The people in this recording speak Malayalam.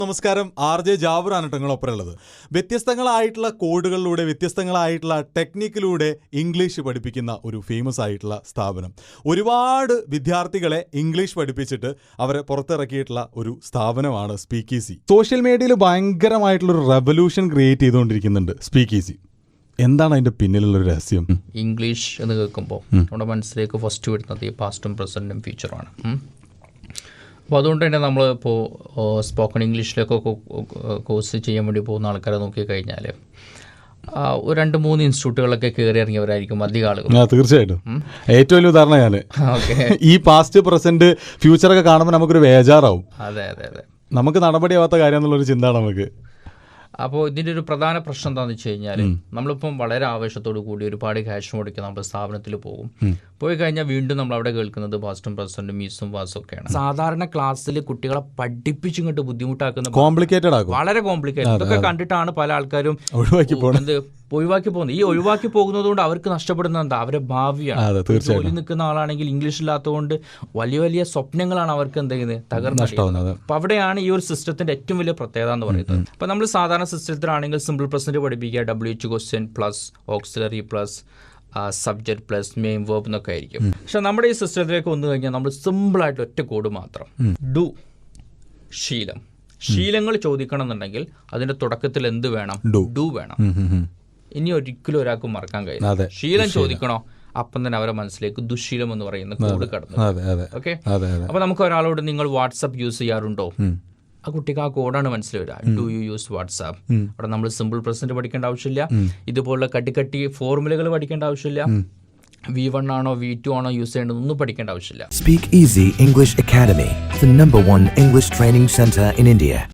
നമസ്കാരം, RJ ജാബറാണ് നിങ്ങളൊപ്പമുള്ളത്. വ്യത്യസ്തങ്ങളായിട്ടുള്ള കോഡുകളിലൂടെ വ്യത്യസ്തങ്ങളായിട്ടുള്ള ടെക്നിക്കിലൂടെ ഇംഗ്ലീഷ് പഠിപ്പിക്കുന്ന ഒരു ഫേമസ് ആയിട്ടുള്ള സ്ഥാപനം. ഒരുപാട് വിദ്യാർത്ഥികളെ ഇംഗ്ലീഷ് പഠിപ്പിച്ചിട്ട് അവരെ പുറത്തിറക്കിയിട്ടുള്ള ഒരു സ്ഥാപനമാണ് സ്പീക്ക് ഈസി. സോഷ്യൽ മീഡിയയിൽ ഭയങ്കരമായിട്ടുള്ളൊരു റെവല്യൂഷൻ ക്രിയേറ്റ് ചെയ്തുകൊണ്ടിരിക്കുന്നുണ്ട് സ്പീക്ക് ഈസി. എന്താണ് അതിൻ്റെ പിന്നിലുള്ളൊരു രഹസ്യം? ഇംഗ്ലീഷ് എന്ന് കേൾക്കുമ്പോൾ നമ്മുടെ മനസ്സിലേക്ക് ഫസ്റ്റ് വരുന്നത് ഈ പാസ്റ്റും പ്രസൻറ്റും ഫ്യൂച്ചറുമാണ്. അപ്പോൾ അതുകൊണ്ട് തന്നെ നമ്മളിപ്പോൾ സ്പോക്കൺ ഇംഗ്ലീഷിലൊക്കെ കോഴ്സ് ചെയ്യാൻ വേണ്ടി പോകുന്ന ആൾക്കാരെ നോക്കിക്കഴിഞ്ഞാൽ ഒരു 2-3 ഇൻസ്റ്റിറ്റ്യൂട്ടുകളൊക്കെ കയറി ഇറങ്ങിയവരായിരിക്കും അധികം ആളുകൾ. തീർച്ചയായിട്ടും ഏറ്റവും വലിയ ഉദാഹരണം ഞാൻ ഈ പാസ്റ്റ് പ്രസന്റ് ഫ്യൂച്ചറൊക്കെ കാണുമ്പോൾ നമുക്കൊരു വേജാറാവും. അതെ, നമുക്ക് നടപടിയാവാത്ത കാര്യം എന്നുള്ളൊരു ചിന്ത നമുക്ക്. അപ്പോൾ ഇതിൻ്റെ ഒരു പ്രധാന പ്രശ്നം എന്താണെന്ന് വെച്ച് കഴിഞ്ഞാൽ നമ്മളിപ്പം വളരെ ആവേശത്തോടു കൂടി ഒരുപാട് ക്യാഷ് മുടക്കി നമ്മൾ സ്ഥാപനത്തിൽ പോകും. പോയി കഴിഞ്ഞാൽ വീണ്ടും നമ്മൾ അവിടെ കേൾക്കുന്നത് പാസ്റ്റും പ്രസന്റും മീസും വാസും ഒക്കെയാണ്. സാധാരണ ക്ലാസ്സിൽ കുട്ടികളെ പഠിപ്പിച്ചിങ്ങോട്ട് ബുദ്ധിമുട്ടാക്കുന്ന കോംപ്ലിക്കേറ്റഡ് ആകും, വളരെ കോംപ്ലിക്കേറ്റഡ്. ഇതൊക്കെ കണ്ടിട്ടാണ് പല ആൾക്കാരും ഒഴിവാക്കി പോകുന്നത്. ഈ ഒഴിവാക്കി പോകുന്നത് കൊണ്ട് അവർക്ക് നഷ്ടപ്പെടുന്നത് എന്താ? അവരുടെ ഭാവിയാണ്. ജോലി നിൽക്കുന്ന ആളാണെങ്കിൽ ഇംഗ്ലീഷ് ഇല്ലാത്തതുകൊണ്ട് വലിയ വലിയ സ്വപ്നങ്ങളാണ് അവർക്ക് എന്ത് ചെയ്യുന്നത് തകർന്നത്. അപ്പൊ അവിടെയാണ് ഈ ഒരു സിസ്റ്റത്തിന്റെ ഏറ്റവും വലിയ പ്രത്യേകത എന്ന് പറയുന്നത്. അപ്പൊ നമ്മൾ സാധാരണ സിസ്റ്റത്തിലാണെങ്കിൽ സിമ്പിൾ പ്രസന്റ് പഠിപ്പിക്കുക, WH question plus auxiliary plus subject plus main verb എന്നൊക്കെ ആയിരിക്കും. പക്ഷെ നമ്മുടെ ഈ സിസ്റ്റത്തിലേക്ക് വന്നു കഴിഞ്ഞാൽ നമ്മൾ സിമ്പിളായിട്ട് ഒറ്റ കോഡ് മാത്രം. ഡു, ശീലങ്ങൾ ചോദിക്കണം എന്നുണ്ടെങ്കിൽ അതിന്റെ തുടക്കത്തിൽ എന്ത് വേണം? ഡു വേണം. ഇനി ഒരിക്കലും ഒരാൾക്ക് മറക്കാൻ കഴിയും. ശീലം ചോദിക്കണോ, അപ്പം തന്നെ അവരുടെ മനസ്സിലേക്ക് ദുശീലം എന്ന് പറയുന്ന കോഡ് കടന്നു. ഓക്കെ, അപ്പൊ നമുക്ക് ഒരാളോട് നിങ്ങൾ വാട്സപ്പ് യൂസ് ചെയ്യാറുണ്ടോ, ആ കുട്ടിക്ക് ആ കോഡാണ് മനസ്സിൽ വരിക. Do you use WhatsApp? അവിടെ നമ്മൾ സിമ്പിൾ പ്രസന്റ് പഠിക്കേണ്ട ആവശ്യമില്ല, ഇതുപോലുള്ള കട്ടി ഫോർമുലകൾ പഠിക്കേണ്ട ആവശ്യമില്ല, V1 ആണോ V2 ആണോ യൂസ് ചെയ്യേണ്ടതൊന്നും പഠിക്കേണ്ട ആവശ്യമില്ല. Speak Easy English Academy, the #1 English training center in India.